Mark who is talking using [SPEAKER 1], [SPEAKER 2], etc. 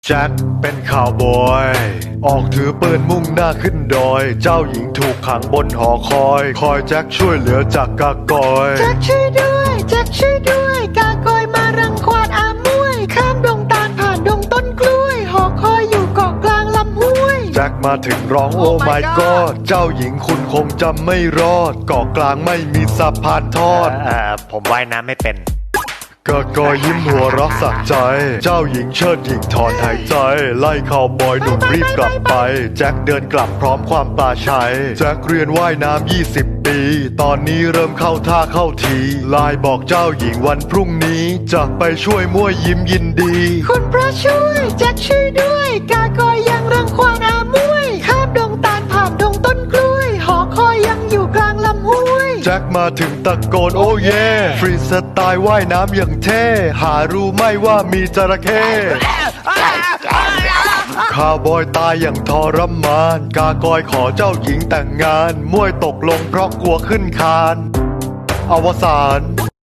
[SPEAKER 1] แจ็คเป็นข่าวบอยออกถือปืนมุ่งหน้าขึ้นดอยเจ้าหญิงถูกขังบนหอคอยแจ็คช่วยเหลือจากกากอย
[SPEAKER 2] แจ็คช่วยด้วยแจ็คช่วยด้วยกากอยมารังควานอามวยข้ามดงตาลผ่านดงต้นกล้วยหอคอยอยู่เกาะกลางลำห้วย
[SPEAKER 1] แจ็คมาถึงร้องโอ้ my god เจ้าหญิงคุณคงจำไม่รอดเกาะกลางไม่มีสะพานทอด
[SPEAKER 3] ผมว่ายน้ำไม่เป็น
[SPEAKER 1] กากอยยิ้มหัวเรักสักใจเจ้าหญิงเชิดหญิงถอนหายใจไล่ข่าวบอยหนุ่มรีบกลับไปแจ็คเดินกลับพร้อมความปลาชัยแจ็คเรียนว่ายน้ำ20 ปีตอนนี้เริ่มเข้าท่าเข้าทีไลน์บอกเจ้าหญิงวันพรุ่งนี้จะไปช่วยมั่วยิ้มยินดี
[SPEAKER 2] คุณพระช่วยแจ็คช่วยด้วยกากอยยังรังควานอามวยข้ามดงตาลผ่านดงต้นกล้วยหอคอยยังอยู่กลางลำห้วย
[SPEAKER 1] แจ็คมาถึงตะโกนโอ้เย่ฟรีสไตล์ว่ายน้ำอย่างเท่หารู้ไหมว่ามีจระเข้ข้าวบอยตายอย่างทรมานกากอยขอเจ้าหญิงแต่งงานมวยตกลงเพราะกลัวขึ้นคานอวสาน